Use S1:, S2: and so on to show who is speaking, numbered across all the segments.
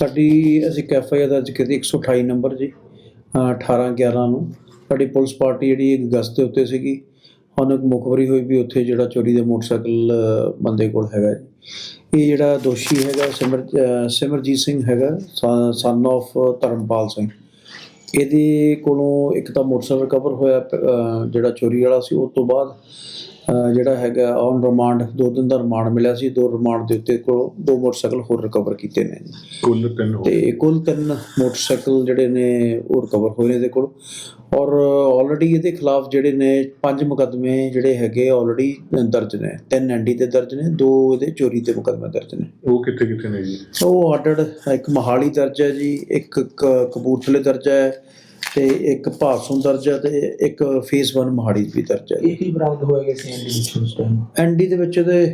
S1: ਸਾਡੀ ਅਸੀਂ ਇੱਕ ਐਫ ਆਈ ਆਰ ਦਰਜ ਕੀਤੀ 128 ਨੰਬਰ ਜੀ 18/11 ਨੂੰ। ਸਾਡੀ ਪੁਲਿਸ ਪਾਰਟੀ ਜਿਹੜੀ ਗਸ਼ਤ ਦੇ ਉੱਤੇ ਸੀਗੀ, ਸਾਨੂੰ ਇੱਕ ਮੁਖਬਰੀ ਹੋਈ ਵੀ ਉੱਥੇ ਜਿਹੜਾ ਚੋਰੀ ਦਾ ਮੋਟਰਸਾਈਕਲ ਬੰਦੇ ਕੋਲ ਹੈਗਾ ਜੀ। ਇਹ ਜਿਹੜਾ ਦੋਸ਼ੀ ਹੈਗਾ ਸਿਮਰਜੀਤ ਸਿੰਘ ਹੈਗਾ, ਸਨ ਆਫ ਧਰਮਪਾਲ ਸਿੰਘ। ਇਹਦੇ ਕੋਲੋਂ ਇੱਕ ਤਾਂ ਮੋਟਰਸਾਈਕਲ ਰਿਕਵਰ ਹੋਇਆ ਜਿਹੜਾ ਚੋਰੀ ਵਾਲਾ ਸੀ। ਉਸ ਤੋਂ ਬਾਅਦ ਜਿਹੜਾ ਹੈਗਾ ਔਨ ਰਿਮਾਂਡ 2 ਦਿਨ ਦਾ ਰਿਮਾਂਡ ਮਿਲਿਆ ਸੀ। 2 ਰਿਮਾਂਡ ਦੇ ਉੱਤੇ ਕੋਲੋਂ 2 ਮੋਟਰਸਾਈਕਲ ਹੋਰ ਰਿਕਵਰ ਕੀਤੇ ਨੇ ਜੀ। ਕੁੱਲ 3 ਮੋਟਰਸਾਈਕਲ ਜਿਹੜੇ ਨੇ ਉਹ ਰਿਕਵਰ ਹੋਏ ਨੇ ਇਹਦੇ ਕੋਲ। ਔਰ ਆਲਰੇਡੀ ਇਹਦੇ ਖਿਲਾਫ ਜਿਹੜੇ ਨੇ 5 ਮੁਕੱਦਮੇ ਜਿਹੜੇ ਹੈਗੇ ਆਲਰੇਡੀ ਦਰਜ ਨੇ। 3 ਐਨਡੀ ਤੇ ਦਰਜ ਨੇ, 2 ਇਹਦੇ ਚੋਰੀ ਦੇ ਮੁਕੱਦਮੇ ਦਰਜ ਨੇ।
S2: ਉਹ ਕਿੱਥੇ ਨੇ ਜੀ?
S1: ਉਹ ਆਰਡਰ ਇੱਕ ਮੋਹਾਲੀ ਦਰਜ ਹੈ ਜੀ, ਇੱਕ ਕਪੂਰਥਲੇ ਦਰਜ ਹੈ ਤੇ ਇੱਕ ਭਾਸੋਂ ਦਰਜ ਹੈ ਤੇ ਇੱਕ ਫੇਸ 1 ਮੋਹਾਲੀ ਵੀ ਦਰਜ ਹੈ।
S3: ਇਹ ਕੀ ਬਰਾਮਦ ਹੋਏਗਾ ਸੀ ਐਨਡੀ ਵਿੱਚ ਉਸ ਟਾਈਮ?
S1: ਐਨਡੀ ਦੇ ਵਿੱਚ ਇਹਦੇ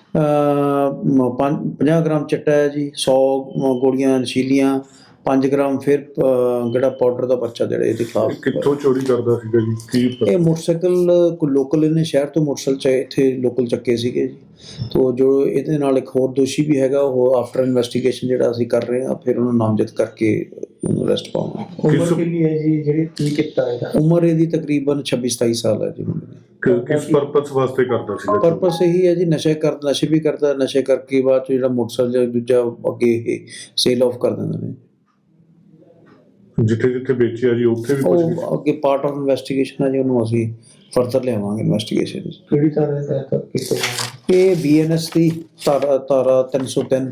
S1: 50 ਗ੍ਰਾਮ ਚਿੱਟਾ ਹੈ ਜੀ, 100 ਗੋਲੀਆਂ ਨਸ਼ੀਲੀਆਂ, 5 ਗ੍ਰਾਮ ਫਿਰ ਜਿਹੜਾ ਪਾਊਡਰ ਦਾ ਪਰਚਾ ਜਿਹੜਾ ਇਹਦੇ ਖਿਲਾਫ।
S2: ਕਿੱਥੋਂ ਚੋਰੀ ਕਰਦਾ ਸੀਗਾ ਜੀ? ਕੀ
S1: ਇਹ ਮੋਟਰਸਾਈਕਲ ਕੋਈ ਲੋਕਲ ਇਹਨੇ ਸ਼ਹਿਰ ਤੋਂ ਮੋਟਰਸਾਈਕਲ ਇੱਥੇ ਲੋਕਲ ਚੱਕੇ ਸੀਗੇ ਜੀ। ਤੋ ਜੋ ਇਹਦੇ ਨਾਲ ਇੱਕ ਹੋਰ ਦੋਸ਼ੀ ਵੀ ਹੈਗਾ, ਉਹ ਆਫਟਰ ਇਨਵੈਸਟੀਗੇਸ਼ਨ ਜਿਹੜਾ ਅਸੀਂ ਕਰ ਰਹੇ ਹਾਂ, ਫਿਰ ਉਹਨੂੰ ਨਾਮਜ਼ਦ ਕਰਕੇ ਉਹਨੂੰ ਅਰੈਸਟ ਪਾਵਾਂਗੇ।
S3: ਉਮਰ ਕਿੰਨੀ ਹੈ ਜੀ ਜਿਹੜੀ ਕੀ ਕੀਤਾ ਇਹਦਾ?
S1: ਉਮਰ ਇਹਦੀ ਤਕਰੀਬਨ 26-27 ਸਾਲ ਹੈ ਜੀ ਮੁੰਡੇ ਦੀ।
S2: ਕਿਸ ਪਰਪਸ ਵਾਸਤੇ ਕਰਦਾ ਸੀਗਾ?
S1: ਪਰਪਸ ਇਹੀ ਹੈ ਜੀ, ਨਸ਼ੇ ਵੀ ਕਰਦਾ, ਨਸ਼ੇ ਕਰਕੇ ਬਾਅਦ ਚ ਜਿਹੜਾ ਮੋਟਰਸਾਈਕਲ ਦੂਜਾ ਅੱਗੇ ਇਹ ਸੇਲ ਆਫ ਕਰ ਦਿੰਦੇ ਨੇ।
S2: ਜਿੱਥੇ ਵੇਚਿਆ ਜੀ ਉੱਥੇ ਵੀ
S1: ਉਹ ਅੱਗੇ ਪਾਰਟ ਆਫ ਇਨਵੈਸਟੀਗੇਸ਼ਨ ਹੈ ਜੀ, ਉਹਨੂੰ ਅਸੀਂ ਫਰਦਰ ਲਿਆਵਾਂਗੇ ਇਨਵੈਸਟੀਗੇਸ਼ਨ।
S3: ਕਿਹੜੀ ਤਰ੍ਹਾਂ ਦਾ ਕੀਤਾ?
S1: ਇਹ BNS ਦੀ ਧਾਰਾ 303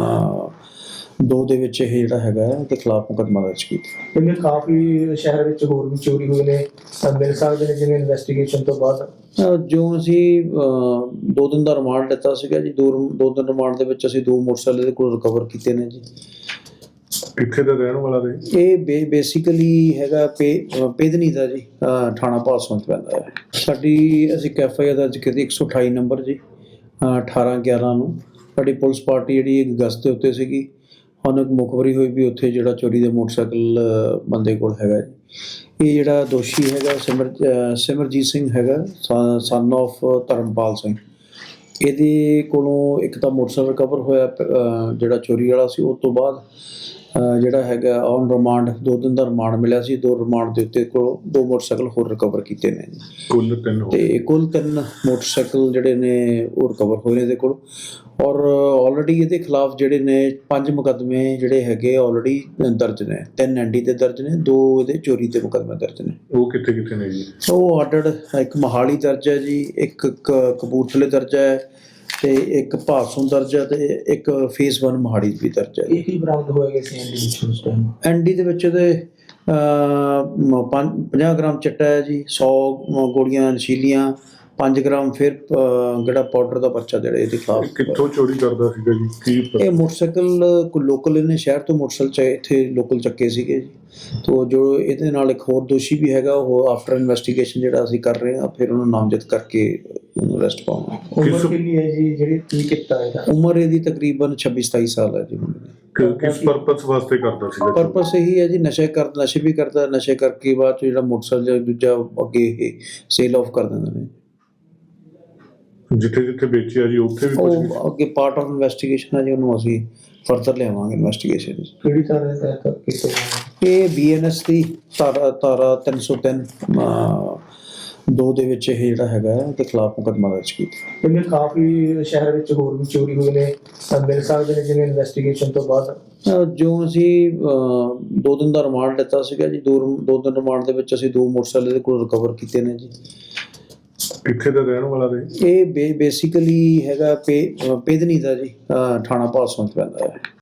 S1: 2 ਦੇ ਵਿੱਚ ਇਹ ਜਿਹੜਾ ਹੈਗਾ ਉਹਦੇ ਖਿਲਾਫ ਮੁਕੱਦਮਾ ਦਰਜ ਕੀਤਾ।
S3: ਕਿਉਂਕਿ ਕਾਫੀ ਸ਼ਹਿਰ ਵਿੱਚ ਹੋਰ ਵੀ ਚੋਰੀ ਹੋਏ ਨੇ, ਮਿਲ ਸਕਦੇ ਨੇ ਜਿਵੇਂ ਇਨਵੈਸਟੀਗੇਸ਼ਨ ਤੋਂ ਬਾਅਦ।
S1: ਜੋ ਅਸੀਂ 2 ਦਿਨ ਦਾ ਰਿਮਾਂਡ ਲਿੱਤਾ ਸੀਗਾ ਜੀ, 2 ਦਿਨ ਰਿਮਾਂਡ ਦੇ ਵਿੱਚ ਅਸੀਂ 2 ਮੋਟਰਸਾਈਕਲ ਦੇ ਕੋਲ ਰਿਕਵਰ ਕੀਤੇ ਨੇ ਜੀ।
S2: ਕਿੱਥੇ ਦਾ ਰਹਿਣ ਵਾਲਾ ਨੇ?
S1: ਇਹ ਬੇਸਿਕਲੀ ਹੈਗਾ ਪੇਦਨੀ ਦਾ ਜੀ, ਥਾਣਾ ਭਾਸੋਂ ਚ ਪੈਂਦਾ ਹੈ। ਸਾਡੀ ਅਸੀਂ ਇੱਕ ਐਫ ਆਈ ਆਰ ਦਰਜ ਕੀਤੀ 128 ਨੰਬਰ ਜੀ 18/11 ਨੂੰ। ਸਾਡੀ ਪੁਲਿਸ ਪਾਰਟੀ ਜਿਹੜੀ ਗਸ਼ਤ ਦੇ ਉੱਤੇ ਸੀਗੀ, ਸਾਨੂੰ ਇੱਕ ਮੁਖਬਰੀ ਹੋਈ ਵੀ ਉੱਥੇ ਜਿਹੜਾ ਚੋਰੀ ਦਾ ਮੋਟਰਸਾਈਕਲ ਬੰਦੇ ਕੋਲ ਹੈਗਾ ਜੀ। ਇਹ ਜਿਹੜਾ ਦੋਸ਼ੀ ਹੈਗਾ ਸਿਮਰਜੀਤ ਸਿੰਘ ਹੈਗਾ, ਸਨ ਆਫ ਧਰਮਪਾਲ ਸਿੰਘ। ਇਹਦੇ ਕੋਲੋਂ ਇੱਕ ਤਾਂ ਮੋਟਰਸਾਈਕਲ ਰਿਕਵਰ ਹੋਇਆ ਜਿਹੜਾ ਚੋਰੀ ਵਾਲਾ ਸੀ। ਉਸ ਤੋਂ ਬਾਅਦ ਜਿਹੜਾ ਹੈਗਾ ਔਨ ਰਿਮਾਂਡ 2 ਦਿਨ ਦਾ ਰਿਮਾਂਡ ਮਿਲਿਆ ਸੀ। 2 ਰਿਮਾਂਡ ਦੇ ਉੱਤੇ ਕੋਲੋਂ 2 ਮੋਟਰਸਾਈਕਲ ਹੋਰ ਰਿਕਵਰ ਕੀਤੇ ਨੇ ਜੀ। ਕੁੱਲ 3 ਮੋਟਰਸਾਈਕਲ ਜਿਹੜੇ ਨੇ ਉਹ ਰਿਕਵਰ ਹੋਏ ਨੇ ਇਹਦੇ ਕੋਲ। ਔਰ ਆਲਰੇਡੀ ਇਹਦੇ ਖਿਲਾਫ ਜਿਹੜੇ ਨੇ 5 ਮੁਕੱਦਮੇ ਜਿਹੜੇ ਹੈਗੇ ਆਲਰੇਡੀ ਦਰਜ ਨੇ। 3 ਐਨਡੀ ਤੇ ਦਰਜ ਨੇ, 2 ਇਹਦੇ ਚੋਰੀ ਦੇ ਮੁਕੱਦਮੇ ਦਰਜ ਨੇ।
S2: ਉਹ ਕਿੱਥੇ ਨੇ ਜੀ?
S1: ਉਹ ਆਰਡਰ ਇੱਕ ਮੋਹਾਲੀ ਦਰਜ ਹੈ ਜੀ, ਇੱਕ ਕਪੂਰਥਲੇ ਦਰਜ ਹੈ ਤੇ ਇੱਕ ਭਾਸੋਂ ਦਰਜ ਹੈ ਤੇ ਇੱਕ ਫੇਸ 1 ਮੋਹਾਲੀ ਵੀ ਦਰਜ ਹੈ।
S3: ਇਹ ਕੀ ਬਰਾਮਦ ਹੋਏਗਾ ਸੀ ਐਨਡੀ ਵਿੱਚ ਉਸ ਟਾਈਮ?
S1: ਐਨਡੀ ਦੇ ਵਿੱਚ ਇਹਦੇ 50 ਗ੍ਰਾਮ ਚਿੱਟਾ ਹੈ ਜੀ, 100 ਗੋਲੀਆਂ ਨਸ਼ੀਲੀਆਂ, 5 ਗ੍ਰਾਮ ਫਿਰ ਜਿਹੜਾ ਪਾਊਡਰ ਦਾ ਪਰਚਾ ਜਿਹੜਾ ਇਹਦੇ ਖਿਲਾਫ।
S2: ਕਿੱਥੋਂ ਚੋਰੀ ਕਰਦਾ ਸੀਗਾ ਜੀ?
S1: ਇਹ ਮੋਟਰਸਾਈਕਲ ਕੋਈ ਲੋਕਲ ਇਹਨੇ ਸ਼ਹਿਰ ਤੋਂ ਮੋਟਰਸਾਈਕਲ ਇੱਥੇ ਲੋਕਲ ਚੱਕੇ ਸੀਗੇ ਜੀ। ਤੋ ਜੋ ਇਹਦੇ ਨਾਲ ਇੱਕ ਹੋਰ ਦੋਸ਼ੀ ਵੀ ਹੈਗਾ, ਉਹ ਆਫਟਰ ਇਨਵੈਸਟੀਗੇਸ਼ਨ ਜਿਹੜਾ ਅਸੀਂ ਕਰ ਰਹੇ ਹਾਂ, ਫਿਰ ਉਹਨੂੰ ਨਾਮਜ਼ਦ ਕਰਕੇ ਉਹਨੂੰ ਅਰੈਸਟ ਪਾਵਾਂਗੇ।
S3: ਉਮਰ ਕਿੰਨੀ ਹੈ ਜੀ ਜਿਹੜੀ ਕੀ ਕੀਤਾ ਇਹਦਾ?
S1: ਉਮਰ ਇਹਦੀ ਤਕਰੀਬਨ 26-27 ਸਾਲ ਹੈ ਜੀ ਮੁੰਡੇ ਦੀ।
S2: ਕਿਸ ਪਰਪਸ ਵਾਸਤੇ ਕਰਦਾ ਸੀਗਾ?
S1: ਪਰਪਸ ਇਹੀ ਹੈ ਜੀ, ਨਸ਼ੇ ਵੀ ਕਰਦਾ, ਨਸ਼ੇ ਕਰਕੇ ਬਾਅਦ ਚ ਜਿਹੜਾ ਮੋਟਰਸਾਈਕਲ ਦੂਜਾ ਅੱਗੇ ਇਹ ਸੇਲ ਆਫ ਕਰ ਦਿੰਦੇ ਨੇ।
S2: ਜਿੱਥੇ ਵੇਚਿਆ ਜੀ ਉੱਥੇ ਵੀ
S1: ਉਹ ਅੱਗੇ ਪਾਰਟ ਆਫ ਇਨਵੈਸਟੀਗੇਸ਼ਨ ਹੈ ਜੀ, ਉਹਨੂੰ ਅਸੀਂ ਫਰਦਰ ਲਿਆਵਾਂਗੇ ਇਨਵੈਸਟੀਗੇਸ਼ਨ।
S3: ਕਿਹੜੀ ਤਰ੍ਹਾਂ ਦਾ ਕੀਤਾ?
S1: ਇਹ BNS ਦੀ ਧਾਰਾ 303 2 ਦੇ ਵਿੱਚ ਇਹ ਜਿਹੜਾ ਹੈਗਾ ਉਹਦੇ ਖਿਲਾਫ ਮੁਕੱਦਮਾ ਦਰਜ ਕੀਤਾ।
S3: ਕਿਉਂਕਿ ਕਾਫੀ ਸ਼ਹਿਰ ਵਿੱਚ ਹੋਰ ਵੀ ਚੋਰੀ ਹੋਏ ਨੇ, ਮਿਲ ਸਕਦੇ ਨੇ ਜਿਵੇਂ ਇਨਵੈਸਟੀਗੇਸ਼ਨ ਤੋਂ ਬਾਅਦ।
S1: ਜੋ ਅਸੀਂ 2 ਦਿਨ ਦਾ ਰਿਮਾਂਡ ਲਿੱਤਾ ਸੀਗਾ ਜੀ, 2 ਦਿਨ ਰਿਮਾਂਡ ਦੇ ਵਿੱਚ ਅਸੀਂ 2 ਮੋਟਰਸਾਈਕਲ ਦੇ ਕੋਲ ਰਿਕਵਰ ਕੀਤੇ ਨੇ ਜੀ।
S2: ਕਿੱਥੇ ਦਾ ਰਹਿਣ ਵਾਲਾ ਨੇ?
S1: ਇਹ ਬੇਸਿਕਲੀ ਹੈਗਾ ਪੇਦਨੀ ਦਾ ਜੀ, ਥਾਣਾ ਭਾਸੋਂ ਚ ਪੈਂਦਾ ਹੈ।